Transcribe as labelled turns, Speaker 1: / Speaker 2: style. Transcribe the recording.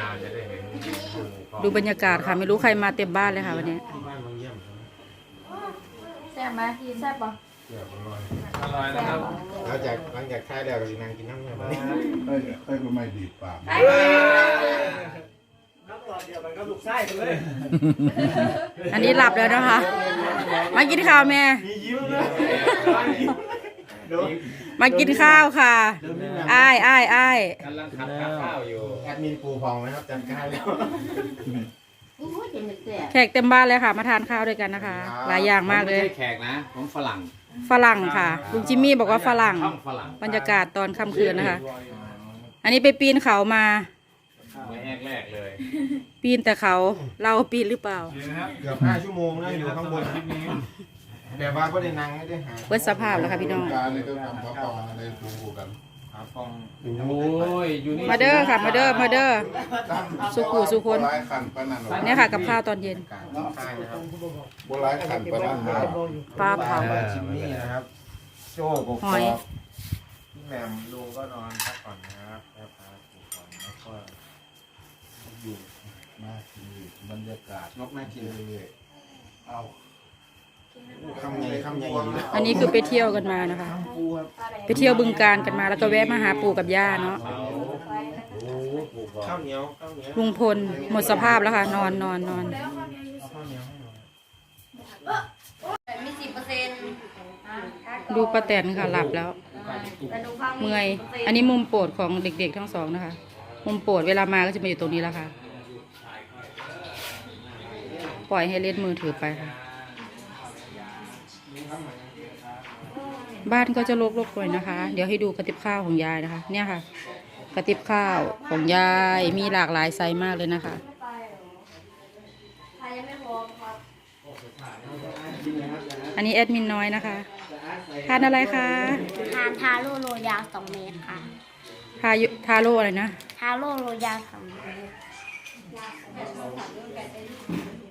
Speaker 1: จะได้เห็น
Speaker 2: ดูบรรยากาศค่ะไม่รู้ใครมาเต็มบ้านเลยค่ะวันนี้
Speaker 1: ที่บ้านบางเยี่ยม
Speaker 3: แซ่บไหมแซ่บปะ
Speaker 1: เกี่ยวกับอร่อยนะครับ
Speaker 4: หลังจากค่ายแล้วก็นั่งกินน้ำเนี่ย
Speaker 5: ค่อยก็ไม่ดีปาก
Speaker 4: น้ำตอนเดียวมันก็ลุกไส้กันเลย
Speaker 2: อันนี้หลับแล้วนะคะ มากินข้าวแม่
Speaker 4: มียิ้มเลย
Speaker 2: มากินข้าวค่ะอ้าย
Speaker 1: กำลังขัดข้าวอยู่
Speaker 4: แอดมินปูพองนะครับจัดการแล้ว
Speaker 3: อู้ยเป็นแซ่บ
Speaker 2: แขกเต็มบ้านเลยค่ะ มาทานข้าวด้วยกันนะคะ หลายอย่างมากเลย
Speaker 1: ไม่ใช่แขกนะของฝรั่ง
Speaker 2: ฝรั่งค่ะลุงจิมมี่บอกว่าฝรั่ง
Speaker 1: ช่องฝรั่ง
Speaker 2: บรรยากาศตอนค่ำคืนนะคะ อันนี้ไปปีนเขามา
Speaker 1: ไม่แรกเลย
Speaker 2: ปีนแต่เขาเราปีนหรือเปล่า
Speaker 4: เกือบ5 ชั่วโมงนะอยู่ข้างบนคลิปนี้แต่ว่าก็ได้นั่งไม่ได้หา
Speaker 2: เบิดสภาพแล้วค่ะพี่น้อง
Speaker 5: การเลยก็ทำพระปองในปูกัน
Speaker 4: หาฟอง
Speaker 1: โอ้ยอยู่นี่
Speaker 2: มาเด้อค่ะมาเด้อมาเด้อ สุขุสุคน
Speaker 5: โบราณขันปนัน
Speaker 2: เนี่ยค่ะกับข้าวตอนเย็น
Speaker 4: ค่ายนะครับ
Speaker 5: โบราณขันปนัน
Speaker 2: ปลาเผา
Speaker 4: บ้านจิมมี่นะครับโจ้กบ
Speaker 2: หอย
Speaker 4: พี่แหม่มลุงก็นอนพักผ่อนนะครับแล้วพาปูก่อนแล้วก็อยู่
Speaker 5: มาทีบรรยากาศ
Speaker 4: นกน่ากินเลย
Speaker 5: เอา
Speaker 4: คำใหญ่คำใหญ่
Speaker 2: อันนี้คือไปเที่ยวกันมานะคะ
Speaker 4: ปูครับ
Speaker 2: ไปเที่ยวบึงการกันมาแล้วก็แวะมาหาปู่กับย่าเนาะ
Speaker 4: ข้าวเหนียวข้าวเหนียว
Speaker 2: ลุงพลหมดสภาพแล้วค่ะ นอน
Speaker 4: เอาข้าวเหนียวให้หน่อย
Speaker 3: มี10%
Speaker 2: ดูป้าแตนค่ะหลับแล้ว
Speaker 3: แต่ดูฟัง
Speaker 2: เมื่อย อันนี้มุมโปรดของเด็กๆทั้งสองนะคะ มุมโปรดเวลามาก็จะมาอยู่ตรงนี้แล้วค่ะ ปล่อยให้เล่นมือถือไปค่ะ บ้านก็จะรกๆหน่อยนะคะ เดี๋ยวให้ดูกระติบข้าวของยายนะคะ เนี่ยค่ะ กระติบข้าวของยายมีหลากหลายไซส์มากเลยนะคะ
Speaker 3: ใครยังไม่พร้อมครับ
Speaker 2: อันนี้แอดมินน้อยนะคะ ทานอะไรคะ
Speaker 3: ทานทาโร่โรยาว2 เมตรค่ะ
Speaker 2: ทาโร่อะไรนะ
Speaker 3: ทาโร่โรยาว2 เมตร